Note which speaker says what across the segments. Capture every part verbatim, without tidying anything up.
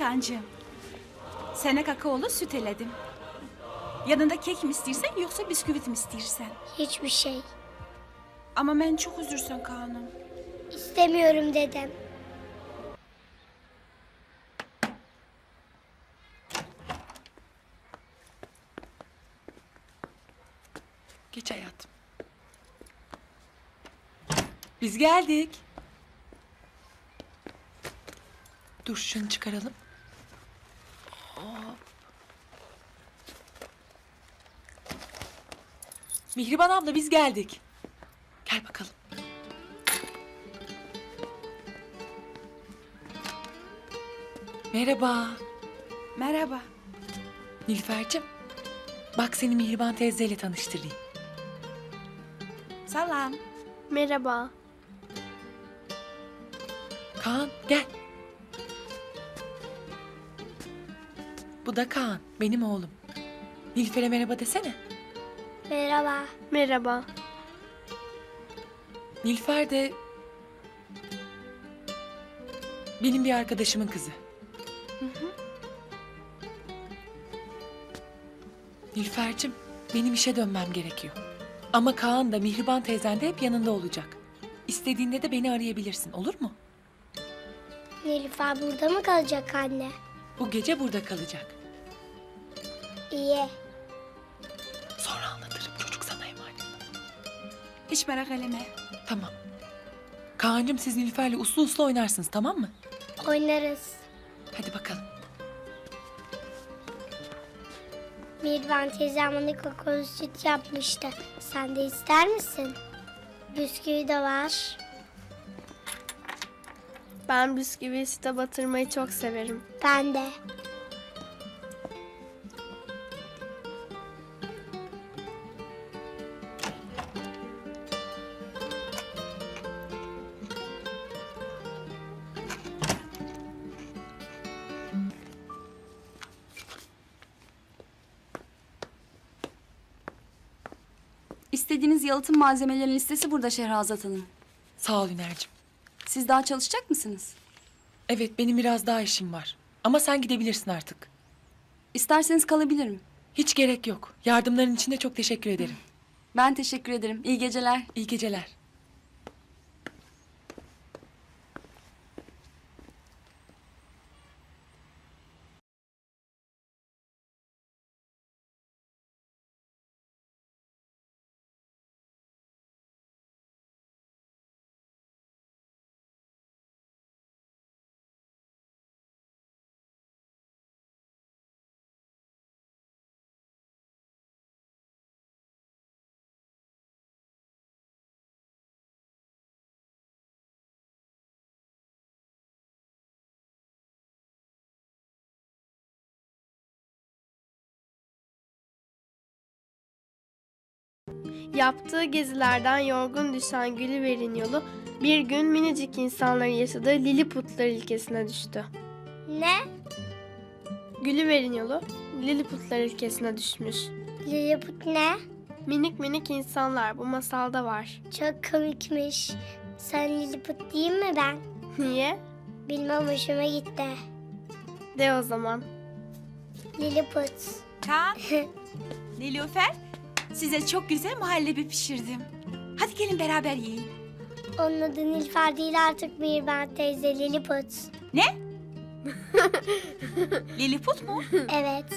Speaker 1: Kancığım. Sana kakaolu süt eledim. Yanında kek mi istersen yoksa bisküvit mi istersen?
Speaker 2: Hiçbir şey.
Speaker 1: Ama ben çok üzülsen Kaan'ım.
Speaker 2: İstemiyorum dedem.
Speaker 3: Geç hayatım. Biz geldik. Dur şunu çıkaralım. Hop. Mihriban abla biz geldik. Gel bakalım. Merhaba.
Speaker 1: Merhaba.
Speaker 3: Nilüfer'cim. Bak seni Mihriban teyzeyle tanıştırayım.
Speaker 1: Selam.
Speaker 2: Merhaba.
Speaker 3: Kaan gel. Bu da Kaan, benim oğlum. Nilüfer'e merhaba desene.
Speaker 2: Merhaba. Merhaba.
Speaker 3: Nilüfer de benim bir arkadaşımın kızı. Hı hı. Nilüfer'cim, benim işe dönmem gerekiyor. Ama Kaan da Mihriban teyzen de hep yanında olacak. İstediğinde de beni arayabilirsin, olur mu?
Speaker 2: Nilüfer burada mı kalacak anne?
Speaker 3: Bu gece burada kalacak.
Speaker 2: İyi.
Speaker 3: Sonra anlatırım, çocuk sana emanet.
Speaker 1: Hiç merak etme.
Speaker 3: Tamam. Kaan'cığım siz Nilüfer'le uslu uslu oynarsınız, tamam mı?
Speaker 2: Oynarız.
Speaker 3: Hadi bakalım.
Speaker 2: Mirvan teyzem bana kakaolu süt yapmıştı. Sen de ister misin? Bisküvi de var.
Speaker 4: Ben bisküviyi süte batırmayı çok severim.
Speaker 2: Ben de.
Speaker 5: İstediğiniz yalıtım malzemelerinin listesi burada Şehrazat Hanım.
Speaker 3: Sağ ol Üner'cim.
Speaker 5: Siz daha çalışacak mısınız?
Speaker 3: Evet, benim biraz daha işim var. Ama sen gidebilirsin artık.
Speaker 5: İsterseniz kalabilirim.
Speaker 3: Hiç gerek yok. Yardımların için de çok teşekkür ederim.
Speaker 5: Ben teşekkür ederim. İyi geceler.
Speaker 3: İyi geceler.
Speaker 4: Yaptığı gezilerden yorgun düşen Gülüver'in yolu bir gün minicik insanların yaşadığı Lilliputlar ülkesine düştü.
Speaker 2: Ne?
Speaker 4: Gülüver'in yolu Lilliputlar ülkesine düşmüş.
Speaker 2: Lilliput ne?
Speaker 4: Minik minik insanlar bu masalda var.
Speaker 2: Çok komikmiş. Sen Lilliput değil mi ben?
Speaker 4: Niye?
Speaker 2: Bilmem hoşuma gitti.
Speaker 4: De o zaman.
Speaker 2: Lilliput.
Speaker 1: Kaan, Nilüfer, size çok güzel muhallebi pişirdim. Hadi gelin beraber yiyin.
Speaker 2: Onun adı Nilüfer değil artık Mirvan teyze, Lilliput.
Speaker 1: Ne? Lilliput mu?
Speaker 2: Evet.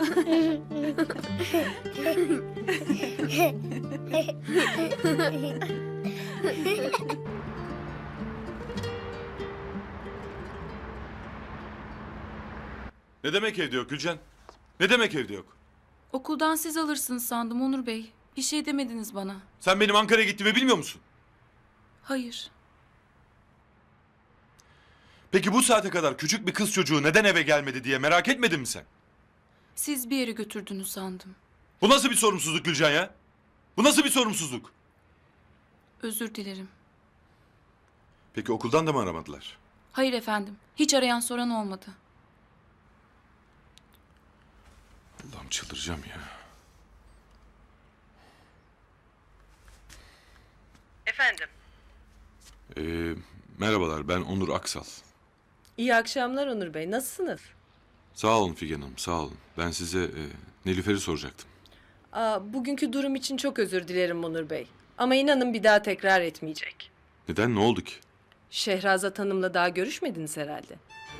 Speaker 6: Ne demek evde yok Gülcan? Ne demek evde yok?
Speaker 7: Okuldan siz alırsınız sandım Onur Bey. Bir şey demediniz bana.
Speaker 6: Sen benim Ankara'ya gittiğimi bilmiyor musun?
Speaker 7: Hayır.
Speaker 6: Peki bu saate kadar küçük bir kız çocuğu neden eve gelmedi diye merak etmedin mi sen?
Speaker 7: Siz bir yere götürdünüz sandım.
Speaker 6: Bu nasıl bir sorumsuzluk Gülcan ya? Bu nasıl bir sorumsuzluk?
Speaker 7: Özür dilerim.
Speaker 6: Peki okuldan da mı aramadılar?
Speaker 7: Hayır efendim. Hiç arayan soran olmadı.
Speaker 6: Allah'ım çıldıracağım ya.
Speaker 8: Efendim,
Speaker 6: Ee, merhabalar ben Onur Aksal.
Speaker 8: İyi akşamlar Onur Bey. Nasılsınız?
Speaker 6: Sağ olun Figen Hanım, sağ olun. Ben size e, Nilüfer'i soracaktım.
Speaker 8: Aa, bugünkü durum için çok özür dilerim Onur Bey. Ama inanın bir daha tekrar etmeyecek.
Speaker 6: Neden, ne oldu ki?
Speaker 8: Şehrazat Hanım'la daha görüşmediniz herhalde.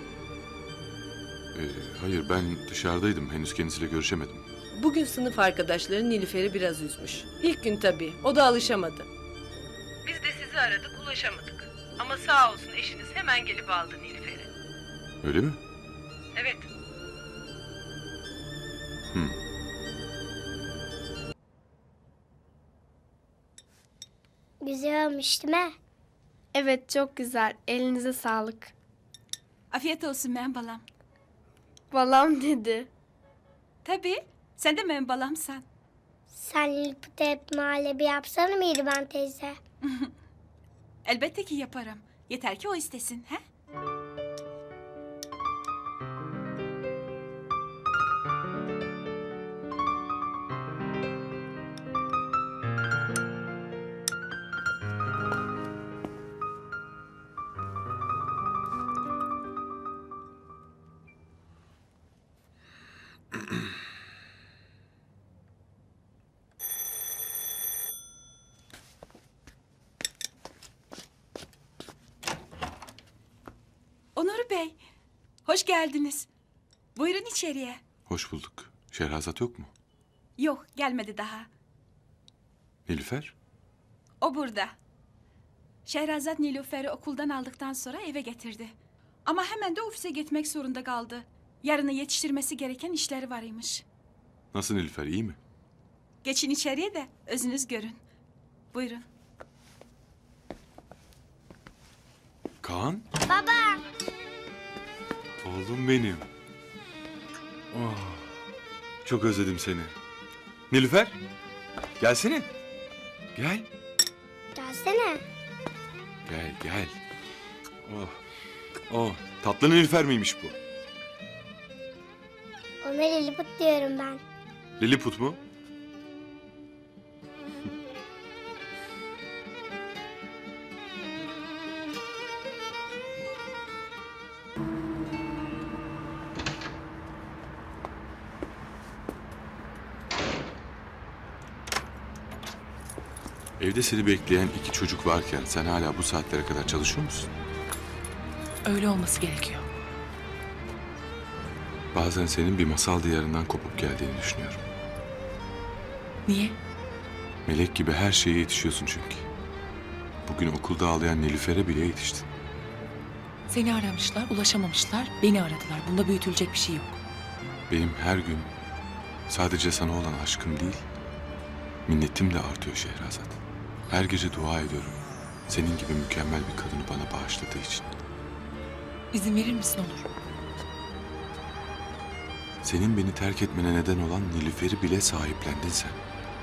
Speaker 6: E, hayır, ben dışarıdaydım. Henüz kendisiyle görüşemedim.
Speaker 8: Bugün sınıf arkadaşları Nilüfer'i biraz üzmüş. İlk gün tabii. O da alışamadı. Biz de sizi aradık, ulaşamadık. Ama sağ olsun eşiniz hemen gelip aldı Nilüfer'i.
Speaker 6: Öyle mi?
Speaker 8: Evet.
Speaker 6: Hı.
Speaker 2: Güzel olmuş değil mi?
Speaker 4: Evet, çok güzel. Elinize sağlık.
Speaker 1: Afiyet olsun men balam.
Speaker 4: Balam dedi.
Speaker 1: Tabii. Sen de men balamsan.
Speaker 2: Sen Lilliput'a hep muhallebi yapsana Mihriban teyze.
Speaker 1: Elbette ki yaparım. Yeter ki o istesin. He? Onur Bey, hoş geldiniz. Buyurun içeriye.
Speaker 6: Hoş bulduk. Şehrazat yok mu?
Speaker 1: Yok, gelmedi daha.
Speaker 6: Nilüfer?
Speaker 1: O burada. Şehrazat Nilüfer'i okuldan aldıktan sonra eve getirdi. Ama hemen de ofise gitmek zorunda kaldı. Yarına yetiştirmesi gereken işleri varmış.
Speaker 6: Nasıl Nilüfer, iyi mi?
Speaker 1: Geçin içeriye de özünüz görün. Buyurun.
Speaker 6: Kaan?
Speaker 2: Baba.
Speaker 6: Oğlum benim. Oh, çok özledim seni. Nilüfer, gelsene. Gel.
Speaker 2: Gelsene.
Speaker 6: Gel, gel. Oh, oh, tatlı Nilüfer miymiş bu?
Speaker 2: Ona Lilliput diyorum ben.
Speaker 6: Lilliput mu? Evde seni bekleyen iki çocuk varken sen hala bu saatlere kadar çalışıyor musun?
Speaker 3: Öyle olması gerekiyor.
Speaker 6: Bazen senin bir masal diyarından kopup geldiğini düşünüyorum.
Speaker 3: Niye?
Speaker 6: Melek gibi her şeye yetişiyorsun çünkü. Bugün okulda ağlayan Nilüfer'e bile yetiştin.
Speaker 3: Seni aramışlar, ulaşamamışlar, beni aradılar. Bunda büyütülecek bir şey yok.
Speaker 6: Benim her gün sadece sana olan aşkım değil, minnetim de artıyor Şehrazat. Her gece dua ediyorum. Senin gibi mükemmel bir kadını bana bağışladığı için.
Speaker 3: İzin verir misin Onur?
Speaker 6: Senin beni terk etmene neden olan Nilüfer'i bile sahiplendin sen.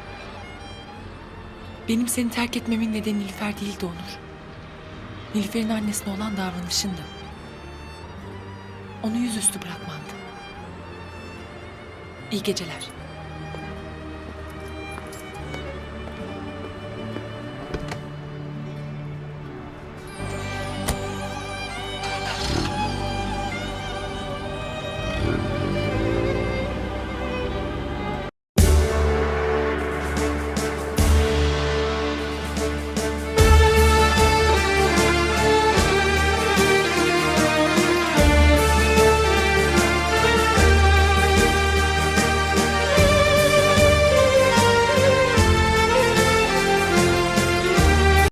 Speaker 3: Benim seni terk etmemin nedeni Nilüfer değildi Onur. Nilüfer'in annesine olan davranışındı. Onu yüzüstü bırakmandı. İyi geceler.